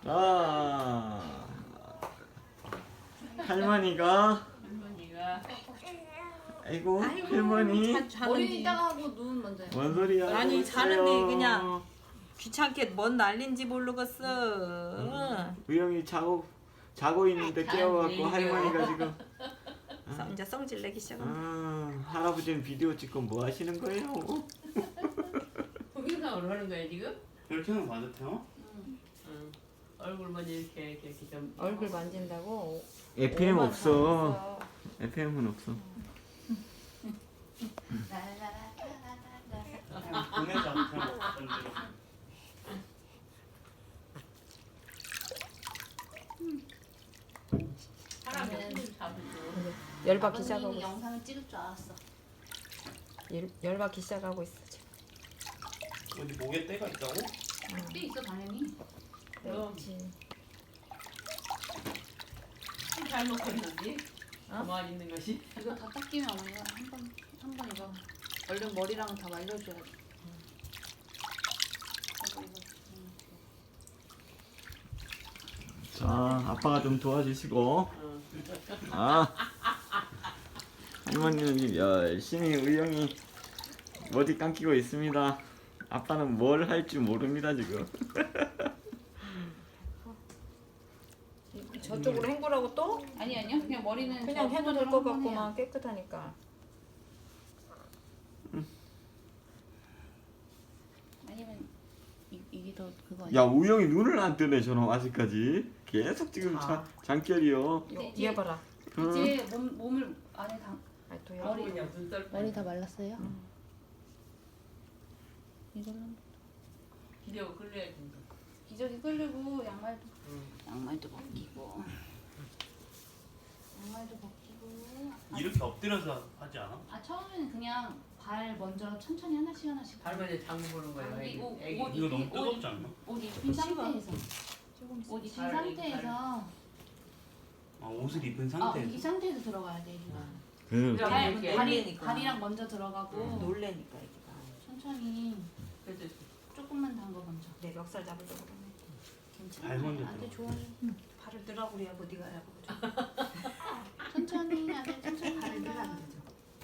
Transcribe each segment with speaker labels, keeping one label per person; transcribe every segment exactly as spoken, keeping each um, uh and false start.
Speaker 1: 아, 할머니가
Speaker 2: 할머니가
Speaker 1: 아이고,
Speaker 3: 아이고,
Speaker 1: 할머니
Speaker 3: 자- 자는데.
Speaker 4: 머리 이따가 하고 눈 먼저 해.
Speaker 1: 뭔 소리야?
Speaker 3: 아니,
Speaker 1: 이거
Speaker 3: 자는데
Speaker 1: 있어요.
Speaker 3: 그냥. 귀찮게 뭔 난린지 모르겠어. 응.
Speaker 1: 우영이 자고 자고 있는데 깨워갖고
Speaker 2: 잔
Speaker 1: 할머니가 지금
Speaker 3: 성- 이제 성질 내기 시작한다.
Speaker 1: 아, 할아버지는 비디오 찍고 뭐 하시는 거예요?
Speaker 2: 동영상으로 하는 거야 지금?
Speaker 5: 이렇게 하는 거 맞아, 태영?
Speaker 2: 응. 얼굴 먼저 이렇게 이렇게 이렇게 좀
Speaker 3: 얼굴 만진다고.
Speaker 1: 에프엠
Speaker 3: 오만
Speaker 1: 없어.
Speaker 3: 삼았어.
Speaker 1: 에프엠은 없어.
Speaker 4: 라라라라라라.
Speaker 5: 보내자, 태영. 전지로.
Speaker 2: 사람이
Speaker 4: 나는-
Speaker 2: 손을 잡으죠.
Speaker 3: 열받기 시작하고
Speaker 4: 아버님이
Speaker 3: 있어.
Speaker 4: 영상을 찍을 줄 알았어.
Speaker 3: 열, 열받기 시작하고 있어 지금.
Speaker 5: 어디 목에 때가 있다고?
Speaker 4: 꽤 있어 당연히.
Speaker 2: 그럼
Speaker 3: 그렇지.
Speaker 2: 잘 먹고 있는지
Speaker 3: 어?
Speaker 2: 가만히 있는 것이.
Speaker 4: 이거 다 닦이면 어머니가 한번 한 번 이거 얼른 머리랑 다 말려줘야지. 이거, 이거, 음.
Speaker 1: 자, 아빠가 좀 도와주시고.
Speaker 2: 응.
Speaker 1: 아, 할머니는 열심히 우영이 머리 감기고 있습니다. 아빠는 뭘 할 줄 모릅니다 지금.
Speaker 3: 저쪽으로 헹구라고 또?
Speaker 4: 아니 아니요 그냥 머리는
Speaker 3: 그냥
Speaker 4: 저
Speaker 3: 해도 될
Speaker 4: 손으로
Speaker 3: 것
Speaker 4: 한번 해요.
Speaker 3: 같구만. 깨끗하니까.
Speaker 4: 아니면 이, 이게 더 그거 아니야?
Speaker 1: 야, 우영이 눈을 안 뜨네 저놈 아직까지. 계속 지금
Speaker 3: 자.
Speaker 1: 자, 장결이요.
Speaker 3: 요,
Speaker 4: 이제-
Speaker 3: 얘 봐라.
Speaker 1: 응.
Speaker 4: 이제 몸 몸을 안에 당
Speaker 3: 아, 또 얘.
Speaker 4: 머리
Speaker 2: 그냥 눈썰
Speaker 4: 머리 다 말랐어요? 이걸로
Speaker 2: 기대고 끌려야 된다.
Speaker 4: 기저귀 끌리고 양말도
Speaker 2: 응.
Speaker 4: 양말도 벗기고 양말도 벗기고 아,
Speaker 5: 이렇게 엎드려서 하지 않아?
Speaker 4: 아 처음에는 그냥 발 먼저 천천히 하나씩 하나씩
Speaker 2: 할머니 장구 보는 거야.
Speaker 4: 아니,
Speaker 2: 애기.
Speaker 4: 옷-
Speaker 2: 애기.
Speaker 4: 옷
Speaker 5: 이거 너무
Speaker 4: 옷-
Speaker 5: 뜨겁지 않나?
Speaker 4: 옷 입힌 상태에서
Speaker 3: 조금
Speaker 4: 옷 입힌
Speaker 2: 발,
Speaker 4: 상태에서
Speaker 5: 아, 옷을 입은
Speaker 4: 아,
Speaker 5: 상태에서?
Speaker 4: 이 상태에서 들어가야 돼 애기가
Speaker 1: 그
Speaker 2: 그럼
Speaker 4: 발,
Speaker 2: 이렇게
Speaker 4: 발이,
Speaker 3: 놀래니까.
Speaker 4: 발이랑 먼저 들어가고
Speaker 3: 놀래니까 애기가.
Speaker 4: 천천히
Speaker 2: 그래서
Speaker 4: 조금만 담가 먼저
Speaker 3: 내 멱살 잡으려고 그러네.
Speaker 4: 괜찮아
Speaker 5: 발 먼저
Speaker 4: 아들
Speaker 5: 들어가.
Speaker 4: 좋아해
Speaker 3: 발을 들라고 그래야고 네가 하라고 그래.
Speaker 4: 천천히 아들 천천히
Speaker 3: 발을 들라
Speaker 4: 담가
Speaker 3: 안 되죠.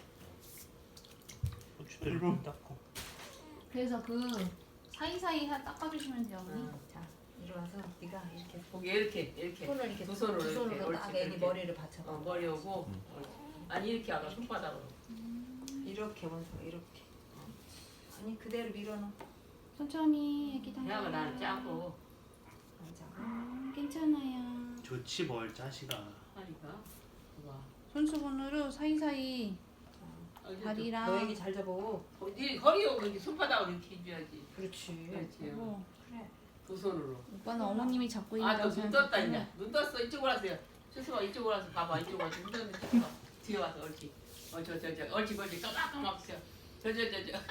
Speaker 5: 고추대를 좀 닦고.
Speaker 4: 그래서 그 사이사이 하- 닦아주시면 돼요 어머니
Speaker 2: 응.
Speaker 3: 자, 이리와서 네가 이렇게
Speaker 2: 거기 이렇게 이렇게
Speaker 3: 손을 이렇게
Speaker 2: 두 손으로
Speaker 3: 두 손으로
Speaker 2: 이렇게
Speaker 3: 딱
Speaker 2: 옳지,
Speaker 3: 애기
Speaker 2: 이렇게.
Speaker 3: 머리를 받쳐.
Speaker 2: 어, 머리 오고 옳지. 아니 이렇게 하다 손바닥으로.
Speaker 3: 이렇게 원서 이렇게. 아니 그대로 밀어넣어.
Speaker 4: 천천히 애기 담가
Speaker 2: 그냥 나는 짜고
Speaker 3: 앉아.
Speaker 4: 음, 괜찮아요
Speaker 5: 좋지 뭘 자식아.
Speaker 2: 하니까. 봐봐.
Speaker 4: 손수건으로 사이사이 다리랑
Speaker 3: 너 애기 잘 잡어.
Speaker 2: 어디 허리하고 이렇게 손바닥으로 이렇게 해줘야지.
Speaker 3: 그렇지.
Speaker 2: 그렇지.
Speaker 4: 어.
Speaker 3: 그래.
Speaker 2: 두 손으로.
Speaker 4: 오빠는 어머님이 잡고
Speaker 2: 아,
Speaker 4: 있다고
Speaker 2: 너 눈 떴다 이제. 눈 떴어. 이쪽으로 와세요. 수수가 이쪽으로 와서 봐봐. 이쪽으로 와서 눈 떴는데 뒤에 와. 뒤에 와서 옳지. 어, 저, 저, 저, 옳지, 옳지. 까맣까맣 저, 저, 저, 저, 저.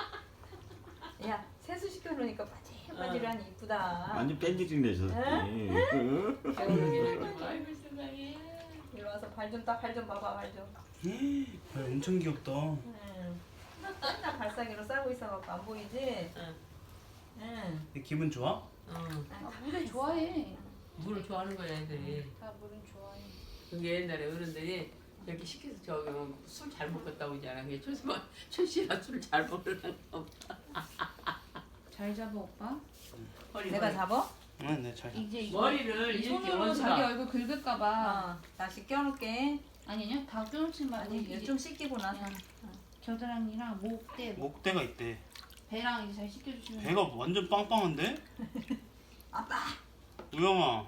Speaker 3: 야 세수 시켜놓으니까 바질바질하니 이쁘다.
Speaker 1: 완전 뺀질이네 저.
Speaker 3: 응?
Speaker 2: 겨울이 아이고 세상에.
Speaker 3: 이리 와서 발 좀 딱 발 좀 봐봐 발 좀.
Speaker 5: 발 엄청 귀엽다.
Speaker 3: 응. 맨날 발사기로 싸고 있어갖고 안 보이지?
Speaker 2: 응.
Speaker 3: 응.
Speaker 5: 내 기분 좋아?
Speaker 2: 응.
Speaker 4: 아, 물을 좋아해
Speaker 2: 물을 좋아하는 거야 애들이.
Speaker 4: 다 물은 좋아해
Speaker 2: 그게 옛날에 어른들이 이렇게 시켜서 저기 술 잘 먹었다고 하잖아. 그게 초시만 초시가 술 잘 먹으려나 보다.
Speaker 4: 잘 잡아 오빠
Speaker 2: 허리
Speaker 3: 내가
Speaker 2: 머리.
Speaker 3: 잡어?
Speaker 5: 응, 네, 잘.
Speaker 4: 이제 이거
Speaker 2: 머리를
Speaker 4: 이
Speaker 2: 이렇게
Speaker 4: 손으로 자기
Speaker 2: 원수가
Speaker 4: 얼굴 긁을까봐
Speaker 3: 어. 다시 껴놓게.
Speaker 4: 아니 아니요 다 껴놓지 말고
Speaker 3: 아니
Speaker 4: 이제
Speaker 3: 이제 좀 씻기고 나서.
Speaker 4: 그냥 겨드랑이랑 목대
Speaker 5: 목대가 있대.
Speaker 4: 배랑 이제 잘 씻겨주시면
Speaker 5: 배가 완전 빵빵한데?
Speaker 3: 아빠.
Speaker 5: 우영아.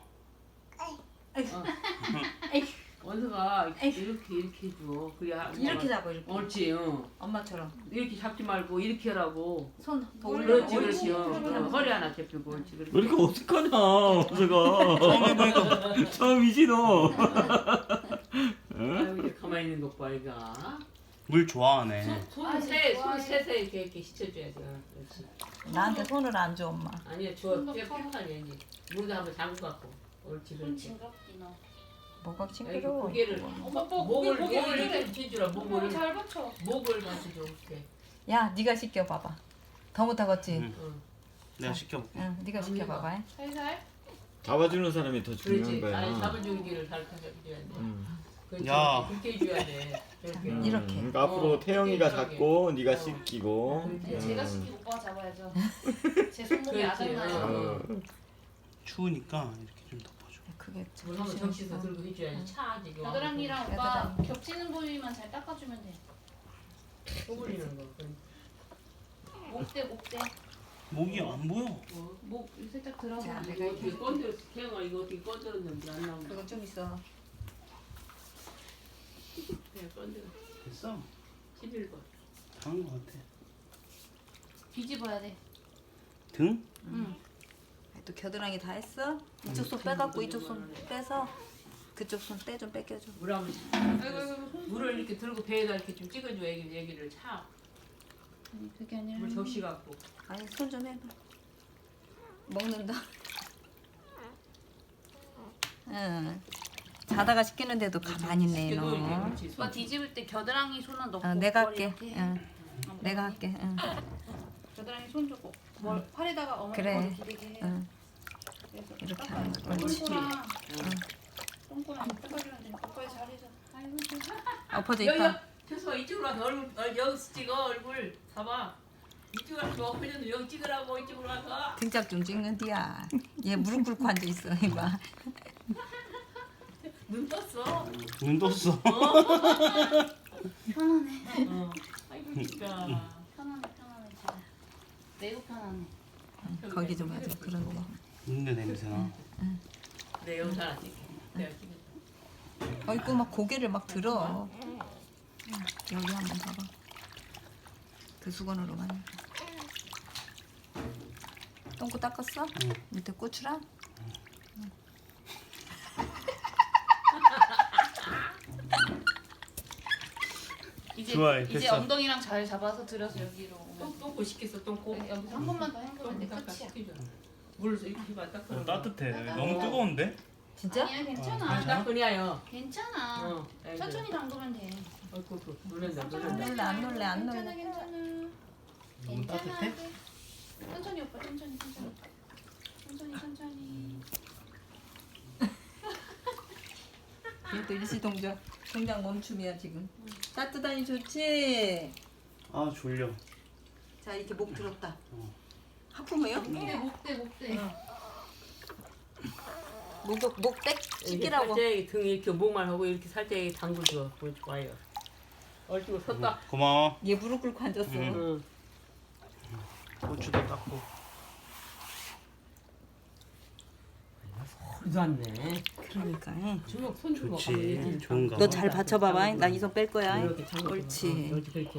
Speaker 2: 원수가 이렇게 이렇게 해줘. 그래야
Speaker 3: 이렇게 잡아 이렇게.
Speaker 2: 옳지. 응.
Speaker 3: 엄마처럼.
Speaker 2: 이렇게 잡지 말고 이렇게 하라고.
Speaker 3: 손 더 올려.
Speaker 2: 그렇지,
Speaker 3: 옳지.
Speaker 2: 그렇지. 응.
Speaker 3: 그렇게
Speaker 2: 응.
Speaker 3: 하면
Speaker 2: 허리 하나 잡히고 옳지. 그렇지.
Speaker 1: 왜 이렇게 어색하냐 어서가.
Speaker 5: 처음 해보니까
Speaker 1: 처음이지 너.
Speaker 2: 아유 이제 가만히 있는 것 봐, 이가.
Speaker 5: 물 좋아하네.
Speaker 2: 손
Speaker 4: 아,
Speaker 2: 세,
Speaker 4: 좋아해.
Speaker 2: 손 세세 이렇게 이렇게 씻어줘야지. 응, 그렇지.
Speaker 3: 나한테 손을 안 줘 엄마.
Speaker 2: 아니야, 줘.
Speaker 4: 손도
Speaker 2: 꽤
Speaker 4: 펴.
Speaker 2: 펴하니 이제. 물도 한번 잠궈 갖고. 옳지,
Speaker 4: 손
Speaker 2: 그렇지.
Speaker 4: 징그럽지 너
Speaker 3: 뭐가
Speaker 2: 여기
Speaker 3: 징그러워.
Speaker 2: 고개를
Speaker 4: 엄마 뭐
Speaker 2: 목을
Speaker 4: 고개,
Speaker 2: 목을
Speaker 4: 고개.
Speaker 2: 이렇게 뒤주라. 목을
Speaker 4: 잘 받쳐
Speaker 2: 목을 맞춰줘 이렇게.
Speaker 3: 야 네가 시켜 봐봐. 더 못하겠지?
Speaker 5: 응.
Speaker 2: 응.
Speaker 5: 내가 시켜볼게.
Speaker 3: 응, 네가 시켜 봐봐.
Speaker 4: 살살
Speaker 1: 잡아주는 사람이 더 중요한
Speaker 2: 그렇지. 아니
Speaker 1: 거야.
Speaker 2: 잡아주기를 가르쳐줘야 돼.
Speaker 1: 음.
Speaker 2: 그렇지.
Speaker 5: 야.
Speaker 2: 그렇게 해줘야 돼. 저렇게.
Speaker 1: 음,
Speaker 3: 이렇게.
Speaker 1: 그러니까 앞으로
Speaker 2: 어,
Speaker 1: 태영이가
Speaker 2: 이렇게.
Speaker 1: 잡고 네가
Speaker 2: 어.
Speaker 1: 씻기고.
Speaker 2: 그렇지.
Speaker 1: 음.
Speaker 4: 제가 시키고 오빠가 잡아야죠. 제 손목이
Speaker 2: 그렇지.
Speaker 4: 아작나요.
Speaker 1: 어.
Speaker 5: 추우니까 이렇게 좀 덮어줘.
Speaker 3: 그게
Speaker 2: 물 한번 적시서 들고 해줘야지. 차지. 이거.
Speaker 4: 겨드랑이랑 오빠 겹치는 부위만 잘 닦아주면 돼.
Speaker 2: 쪼그리는 거.
Speaker 4: 목대 목대.
Speaker 5: 목이 안 보여.
Speaker 2: 어.
Speaker 4: 목 살짝 들어서.
Speaker 3: 자,
Speaker 2: 이거 어떻게 건드렸어? 태영아 이거 어떻게 건드렸는지 안 나오네.
Speaker 3: 그거 좀 있어.
Speaker 2: 그냥 건드려.
Speaker 5: 됐어.
Speaker 2: 십일 번.
Speaker 5: 다한 것 같아.
Speaker 4: 뒤집어야 돼.
Speaker 5: 등?
Speaker 4: 응.
Speaker 3: 또 겨드랑이 다 했어? 이쪽 손 빼갖고 이쪽 손 빼서 그쪽 손 때 좀 뺏겨줘.
Speaker 2: 물 한번.
Speaker 4: 아이고 아이고 손.
Speaker 2: 물을 이렇게 들고 배에다 이렇게 좀 찍어줘. 애기 애기를 차.
Speaker 4: 아니, 그게 아니라.
Speaker 2: 물 적시 갖고.
Speaker 3: 아니 손 좀 해봐. 먹는다. 응. 자다가 씻기는데도 가만히 있네 너.
Speaker 2: 그렇지.
Speaker 4: 오빠 뒤집을 때 겨드랑이 손은 넣고.
Speaker 3: 어, 내가
Speaker 4: 머리
Speaker 3: 할게.
Speaker 4: 이렇게.
Speaker 3: 응.
Speaker 4: 어,
Speaker 3: 내가 할게. 응.
Speaker 4: 겨드랑이 손 주고. 뭘 팔에다가 어머니
Speaker 3: 그래.
Speaker 4: 머리 기대게 해.
Speaker 3: 응.
Speaker 4: 그래서
Speaker 3: 이렇게
Speaker 4: 닦아요.
Speaker 3: 하는 거. 옳지.
Speaker 4: 똥꼬랑 똥꼬랑 닦아주면 돼. 오빠의 자리에서. 아이고 진짜.
Speaker 3: 엎어져
Speaker 2: 여기
Speaker 3: 있다.
Speaker 2: 최소아 이쪽으로 와서 얼굴 어, 여기서 찍어 얼굴 봐봐. 이쪽으로 와서 엎어져도 여기 찍으라고 이쪽으로 와서.
Speaker 3: 등짝 좀 찍는디야. 얘 무릎 꿇고 앉아 있어 이봐.
Speaker 2: 눈 떴어.
Speaker 5: 눈 떴어.
Speaker 4: 편하네.
Speaker 2: 어. 아이고 진짜.
Speaker 4: 편하네 편하네 진짜. 매우 편하네.
Speaker 3: 거기 좀 하자. 그런데.
Speaker 5: 눈에 냄새나.
Speaker 2: 내 영상 안 찍게. 내가 찍을게.
Speaker 3: 어이구 막 고개를 막 들어. 여기 한번 봐봐. 그 수건으로 많이. 똥꼬 닦았어?
Speaker 5: 응.
Speaker 3: 밑에 고추랑?
Speaker 4: 이제
Speaker 5: 좋아해,
Speaker 4: 이제
Speaker 5: 됐어.
Speaker 4: 엉덩이랑 잘 잡아서 들어서 여기로 오면.
Speaker 2: 똥 똥꼬 시켰어 똥꼬.
Speaker 4: 여기, 여기서 한 번만 더 헹구면 돼.
Speaker 2: 똥 닦아
Speaker 4: 끝이야.
Speaker 2: 시켜줘. 물 이렇게 해봐 딱.
Speaker 5: 어, 따뜻해. 너무 뜨거운데?
Speaker 3: 진짜?
Speaker 4: 아니야 괜찮아.
Speaker 5: 어,
Speaker 2: 딱 그래요.
Speaker 4: 괜찮아.
Speaker 2: 어.
Speaker 4: 천천히 담그면 돼.
Speaker 2: 어이구 그 놀란다
Speaker 3: 안
Speaker 2: 놀란다.
Speaker 3: 놀래 안 놀래 안
Speaker 4: 괜찮아
Speaker 3: 놀래.
Speaker 4: 괜찮아.
Speaker 5: 너무
Speaker 4: 괜찮아.
Speaker 5: 따뜻해?
Speaker 4: 천천히 오빠 천천히 천천히. 천천히 천천히.
Speaker 3: 얘도 일시 동작 동작 멈춤이야 지금. 따뜻하니 좋지?
Speaker 5: 아 졸려.
Speaker 3: 자 이렇게 목 들었다.
Speaker 5: 어.
Speaker 3: 하품해요?
Speaker 4: 목대 목대 목대.
Speaker 3: 목목 목백 씻기라고.
Speaker 2: 살짝 등 이렇게 목만 하고 이렇게 살짝 담그줘. 그렇지 좋아요. 얼추 섰다.
Speaker 5: 고마워.
Speaker 3: 얘 무릎 꿇고 앉았어.
Speaker 5: 응.
Speaker 2: 응.
Speaker 5: 고추도 닦고.
Speaker 2: 소리도 안 내.
Speaker 3: 그러니까.
Speaker 2: 주먹 손 주먹
Speaker 5: 좋지. 좋은가
Speaker 3: 너
Speaker 5: 봐.
Speaker 3: 잘 받쳐봐봐. 나 이 손 뺄 거야.
Speaker 2: 이렇게 잠궈.
Speaker 3: 옳지.
Speaker 2: 어, 그렇지 그렇게.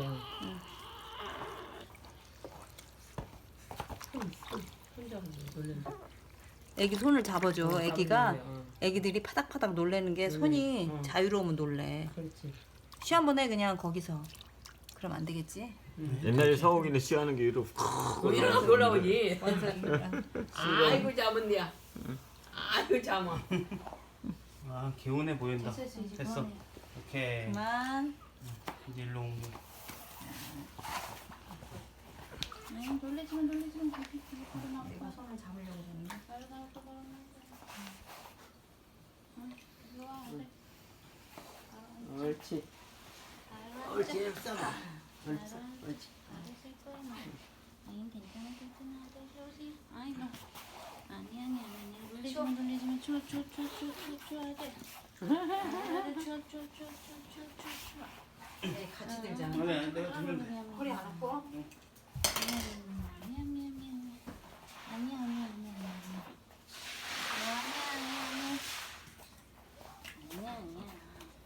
Speaker 2: 손 잡으면 놀란다.
Speaker 3: 애기 손을 잡아줘.
Speaker 2: 어,
Speaker 3: 애기가
Speaker 2: 잡으면 돼, 어.
Speaker 3: 애기들이 파닥파닥 놀래는 게 손이
Speaker 2: 어.
Speaker 3: 자유로우면 놀래.
Speaker 2: 그렇지.
Speaker 3: 쉬 한 번 해 그냥 거기서. 그럼 안 되겠지?
Speaker 1: 옛날에 서욱이는 쉬하는 게 이러고
Speaker 2: 뭐 이러고 놀라오지.
Speaker 3: 원석이니까.
Speaker 2: 아이고 잡은데야. 아이고 잡아.
Speaker 5: 아 개운해 보인다.
Speaker 4: 됐어 됐어 이제
Speaker 5: 됐어.
Speaker 4: 그만해.
Speaker 5: 오케이.
Speaker 3: 그만.
Speaker 5: 이제 일로 옮겨.
Speaker 4: 아이 놀래지마 놀래지마. 그러나
Speaker 3: 내가 손을 잡으려고 했는데.
Speaker 4: 빨리 나와 빨리 나와. 응 일로 와 그래.
Speaker 2: 옳지. 옳지. 써봐. 옳지. 옳지.
Speaker 4: 알았을 거야 뭐. 아니 괜찮아 괜찮아 아저씨 아이고 아니 아니 아니 아니 놀리지마 놀리지마 추워 추워 추워 추워 추워 추워야 돼. 추워 추워 추워 추워 추워 추워 추워.
Speaker 3: 네, 같이 들잖아.
Speaker 5: 아니 내가 들면 돼.
Speaker 3: 허리 안 아파?
Speaker 4: 아니야 아니야 아니야 아니야 아니야 아니야 아니야 아니야 아니야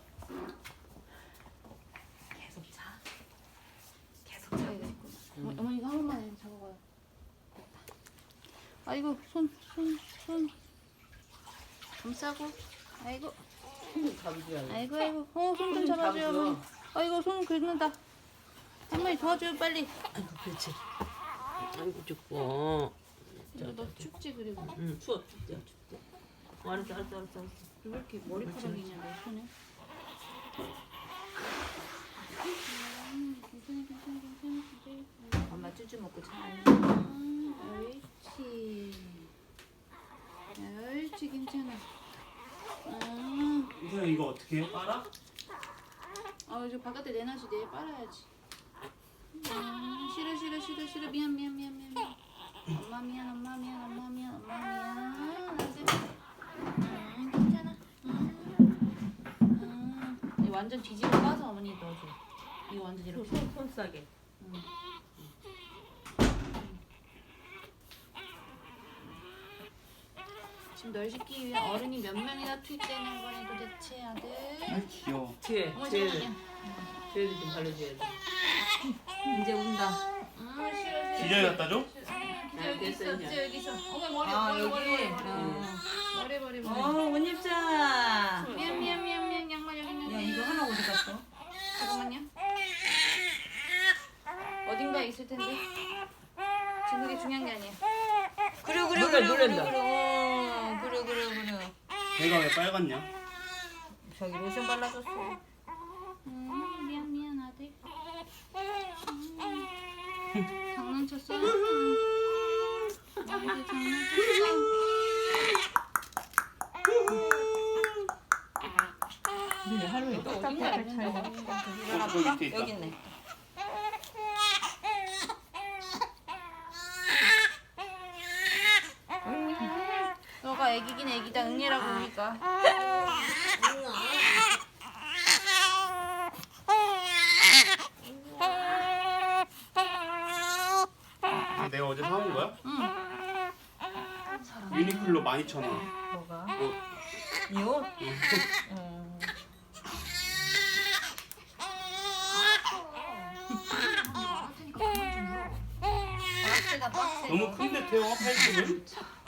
Speaker 3: 계속 자. 계속 자.
Speaker 4: 어, 어머니 이거 한 번만 해, 잡아봐요. 됐다. 아이고 손 손 손 감싸고 아이고
Speaker 2: 잡으줘야 돼.
Speaker 4: 아이고 아이고 어 손 좀 잡아줘요 어머니. 아이고 손 긁는다. 할머니 도와줘요 빨리.
Speaker 2: 아이고 그렇지. 아이고 죽고.
Speaker 4: 이거 너 춥지 그리고
Speaker 2: 응 추워 춥대 춥대. 어, 알았어 알았어 알았어. 알았어.
Speaker 4: 왜 이렇게 머리카락이 있냐 내 손에. 음, 괜찮아 괜찮아 괜찮아 괜찮아.
Speaker 3: 엄마 쭈쭈 먹고 자.
Speaker 4: 음, 옳지. 옳지. 그렇지 괜찮아. 아,
Speaker 5: 우선 이거 어떻게 해? 빨아?
Speaker 4: 어 이제 바깥에 내놔야지 내일 빨아야지. 아, 싫어 싫어 싫어 싫어 미안 미안 미안 미안 미안. 엄마 미안 엄마 미안 엄마 미안 엄마 미안. 안 돼. 음, 괜찮아. 음, 음. 이거 완전 뒤집어 까서 어머니 넣어줘. 이거 완전 이렇게.
Speaker 2: 손, 손 싸게.
Speaker 4: 음. 지금 널 시키기 위한 어른이 몇 명이나 투입되는 거니 도대체 아들?
Speaker 5: 아 귀여워.
Speaker 2: 뒤에,
Speaker 4: 어머
Speaker 2: 뒤에,
Speaker 4: 잠깐만요.
Speaker 2: 뒤에도 좀 발라줘야지. 이제 운다.
Speaker 4: 아 싫어 싫어.
Speaker 5: 기저귀 갖다 줘?
Speaker 4: 기저 여기 있어 기저 여기 있어. 어머 머리
Speaker 2: 아,
Speaker 4: 머리 머리
Speaker 2: 여기?
Speaker 4: 머리 머리
Speaker 2: 어.
Speaker 4: 머리 머리 머리.
Speaker 3: 어, 옷 입자.
Speaker 4: 미안 미안 미안 미안 양말 여기 있는.
Speaker 3: 야, 이거 하나 어디 갔어?
Speaker 4: 잠깐만요. 어딘가에 있을 텐데. 지금 그게 중요한 게 아니야.
Speaker 3: 그래, 그래,
Speaker 2: 놀라,
Speaker 3: 그래, 그래,
Speaker 2: 놀란다.
Speaker 3: 그래, 어, 그래, 그래, 그래.
Speaker 5: 배가 왜 빨갛냐?
Speaker 3: 저기 로션 발라줬어.
Speaker 4: 음, 미안 미안 아들. 음. 장난쳤어? 음. 아들 장난쳤어?
Speaker 3: 근데 하루에
Speaker 4: 또
Speaker 3: 똑같아.
Speaker 4: 어딘가
Speaker 3: 잘
Speaker 4: 있는데.
Speaker 3: 잘
Speaker 5: 어, 저기 밑에 있다.
Speaker 3: 여기 있네.
Speaker 4: 너가 애기긴 애기다 응애라고 그러니까.
Speaker 5: 이거 내가 어제 사온 거야?
Speaker 4: 응.
Speaker 5: 유니클로 만 이천 원.
Speaker 3: 뭐가?
Speaker 5: 옷.
Speaker 3: 이 옷? 음.
Speaker 4: 박스가 박스.
Speaker 5: 너무 큰데 태워 팔십은?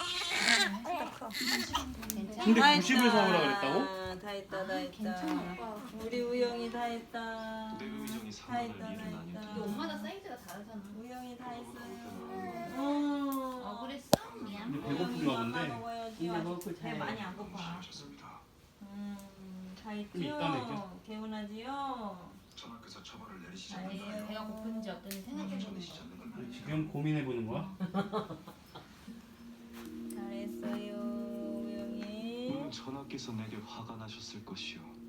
Speaker 4: 괜찮아.
Speaker 5: 근데
Speaker 3: 다
Speaker 5: 구십을
Speaker 3: 했다.
Speaker 5: 사오라 그랬다고?
Speaker 3: 다 했다, 다 했다.
Speaker 4: 괜찮아 오빠.
Speaker 3: 우리 우영이 다 했다. 다 했다, 다
Speaker 4: 이게
Speaker 3: 했다.
Speaker 4: 엄마다 사이즈가 다르잖아.
Speaker 3: 우영이 다 했어요.
Speaker 4: 어
Speaker 3: 어.
Speaker 4: 그랬어? 미안.
Speaker 5: 근데 배고픈가 본데?
Speaker 3: 먹어야지.
Speaker 2: 근데 먹을
Speaker 3: 배
Speaker 2: 잘
Speaker 3: 많이 안 고파. 음, 다
Speaker 5: 좀 이따
Speaker 3: 있죠?
Speaker 5: 먹게.
Speaker 3: 개운하지요?
Speaker 6: 전학교에서 처벌을 내리시지
Speaker 4: 아니
Speaker 6: 않을까요?
Speaker 4: 배가 고픈지 어떤지 생각해보는
Speaker 6: 전이시지
Speaker 4: 거.
Speaker 6: 않는 건 아니죠.
Speaker 5: 지금 고민해 보는 거야?
Speaker 3: 잘했어요, 우영이.
Speaker 6: 물론 전하께서 내게 화가 나셨을 것이요